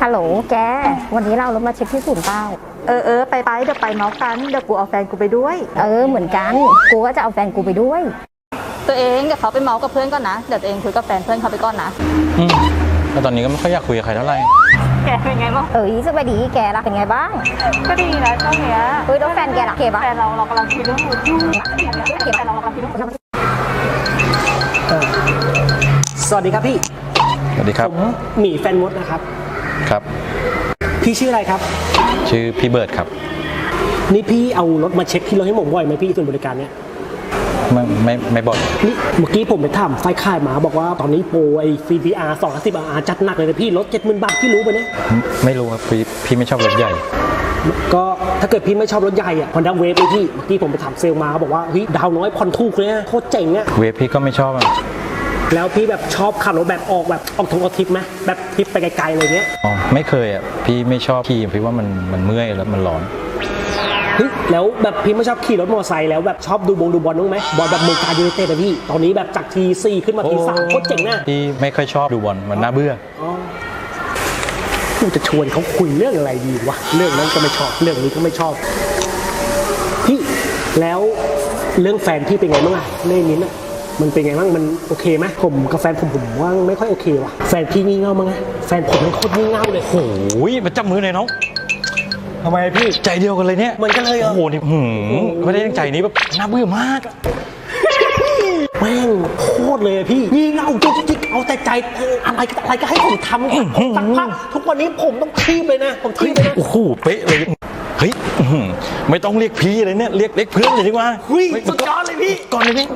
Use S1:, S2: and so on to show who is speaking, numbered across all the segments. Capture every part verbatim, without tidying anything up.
S1: ฮัลโหลแกวันนี้เรารถมาเช็คที่ศูนย์เป้า
S2: เออเออไปไปเดี๋ยวไปเมาส์กันเดี๋ยวกูเอาแฟนกูไปด้วย
S1: เออเหมือนกันกูก็จะเอาแฟนกูไปด้วย
S2: ตัวเองเดี๋ยวเขาไปเมาส์กับเพื่อนก่อนนะเดี๋ยวตัวเองคุยกับแฟนเพื่อนเขาไปก่อนนะ
S3: อืมแล้วตอนนี้ก็ไม่ค่อยอยากคุยกับใครเท่าไหร่
S2: แกเป็นไงบ้าง
S1: เออสบายดีแกล่ะเป็นไงบ้าง
S2: ก็ดีนะช่วงเนี้ย
S1: เฮ้ยแล้วแฟนแกล่ะโอเคปะ
S2: แฟนเราเรากำลังคิดเรื่องมือถือแฟนเรากำลังคิดเรื่องมือถือ
S4: สวัสดีครับพี่
S3: สวัสดีครับ
S4: ผมหมีแฟนมดนะครับ
S3: ครับ
S4: พี่ชื่ออะไรครับ
S3: ชื่อพี่เบิร์ดครับ
S4: นี่พี่เอารถมาเช็คที่รถให้ผมบ่อยไหมพี่ส่วนบริการเนี้ย
S3: ไม่ไม่ไม่บ่อย
S4: นี่เมื่อกี้ผมไปถามไฟค่ายมาบอกว่าตอนนี้โปรไอ้ ซี พี อาร์ สองร้อยสิบ อาร์ จัดหนักเลยนะพี่รถ เจ็ดหมื่น บาทพี่รู้ปะเนี่ย
S3: ไม่รู้ครับพี่พี่ไม่ชอบรถใหญ่
S4: ก็ถ้าเกิดพี่ไม่ชอบรถใหญ่อะ Honda Wave เลยพี่เมื่อกี้ผมไปถามเซลล์มาเขาบอกว่าเฮ้ยดาวน้อยผ่อนถูกเลยนะโคตรเจ๋งอะ
S3: เวฟพี่ก็ไม่ชอบอ่ะ
S4: แล้วพี่แบบชอบขับรถแบบออกแบบออกทงออกทริปไหมแบบทริปไปไกลๆอะไรเงี้ย
S3: อ๋อไม่เคยอ่ะพี่ไม่ชอบขี่พี่ว่ามันมันเมื่อยแล้วมันร้อน
S4: เฮ้ยแล้วแบบพี่ไม่ชอบขี่รถมอเตอร์ไซค์แล้วแบบชอบดูบงดูบอลบ้างไหมบอลแบบเมืองการยูไนเต็ดอะพี่ตอนนี้แบบจากทีสี่ขึ้นมาทีสามโคตรเจ๋งนะ
S3: พี่ไม่ค่อยชอบดูบอลมันน่าเบื่อ
S4: กูจะชวนเขาคุยเรื่องอะไรดีวะเรื่องนั้นก็ไม่ชอบเรื่องนี้ก็ไม่ชอบพี่แล้วเรื่องแฟนพี่เป็นไงบ้างอะเรื่องนี้น่ะมันเป็นไงบ้างมันโอเคไหมผมกับแฟนผมผมว่าไม่ค่อยโอเคว่ะแฟนพี่งี่เง่ามั้งไงแฟนผมมันโคตรงี่เง่าเลย
S3: โอ้ยมาจับมือหน่อยน้อง
S4: ทำไมพี่
S3: ใจเดียวกันเลยเนี่ย
S4: เหมือนกันเลยเหรอ
S3: โอ้โหนี่ไม่ได้ตั้งใจนี้แบบน่าเบื่อมาก
S4: แม่งโคตรเลยพี่งี่เง่าจุกจิกเอาแต่ใจอะไรอะไรก็ให้ผมทำผมสักพักทุกวันนี้ผมต้องทีบเลยนะผมทีบเลยนะ
S3: โอ้โหเป๊ะเลยเฮ้ยไม่ต้องเรียกพี่เลยเนี่ยเรียกเรียกเพื่อนเลยดีกว่า
S4: เฮ้ยสุดยอดเลยพี่
S3: ก่อนเลยพี่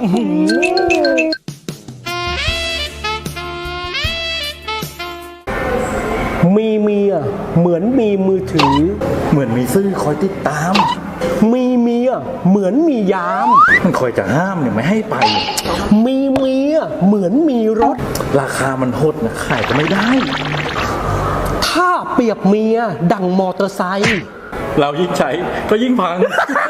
S4: มีเมียเหมือนมีมือถือ
S3: เหมือนมีซื่อคอยติดตาม
S4: มีเมียเหมือนมียาม
S3: มันคอยจะห้ามเนี่ยไม่ให้ไป
S4: มีเมียเหมือนมีรถ
S3: ราคามันโหดนะขายก็ไม่ได้
S4: ถ้าเปรียบเมียดังมอเตอร์ไซค์
S3: เรายิ่งใช้ก็ยิ่งพัง